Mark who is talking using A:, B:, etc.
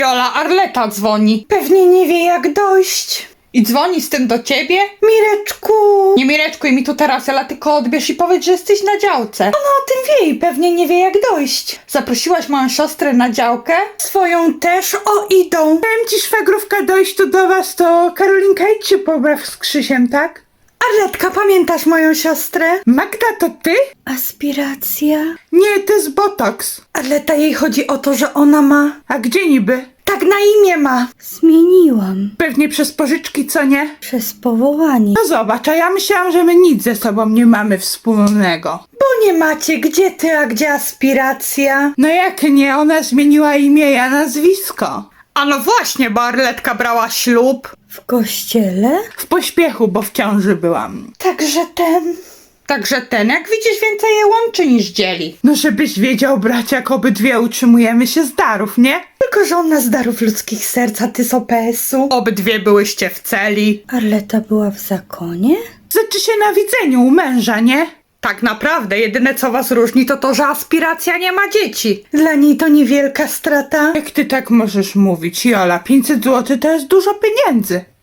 A: Jola, Arleta dzwoni.
B: Pewnie nie wie jak dojść.
A: I dzwoni z tym do ciebie?
B: Mireczku!
A: Nie Mireczkuj mi tu teraz, Jola, tylko odbierz i powiedz, że jesteś na działce.
B: Ona o tym wie i pewnie nie wie jak dojść.
A: Zaprosiłaś moją siostrę na działkę?
B: Swoją też idą. Powiem ci, szwagrówka, dojść tu do was, to Karolinka idź się pobaw z Krzysiem, tak? Arletka, pamiętasz moją siostrę? Magda, to ty? Aspiracja? Nie, to jest botoks. Arleta, jej chodzi o to, że ona ma... A gdzie niby? Tak na imię ma.
C: Zmieniłam.
B: Pewnie przez pożyczki, co nie?
C: Przez powołanie.
B: No zobacz, a ja myślałam, że my nic ze sobą nie mamy wspólnego. Bo nie macie, gdzie ty, a gdzie aspiracja? No jak nie, ona zmieniła imię, a nazwisko.
A: A no właśnie, bo Arletka brała ślub.
C: W kościele?
B: W pośpiechu, bo w ciąży byłam.
A: Także ten, jak widzisz, więcej je łączy niż dzieli.
B: No żebyś wiedział, bracie, jak obydwie utrzymujemy się z darów, nie? Tylko, że ona z darów ludzkich serc, a ty z OPS-u.
A: Obydwie byłyście w celi.
C: Arleta była w zakonie?
B: Zaczy się na widzeniu u męża, nie?
A: Tak naprawdę, jedyne co was różni to to, że aspiracja nie ma dzieci.
B: Dla niej to niewielka strata. Jak ty tak możesz mówić, Jola? 500 zł to jest dużo pieniędzy.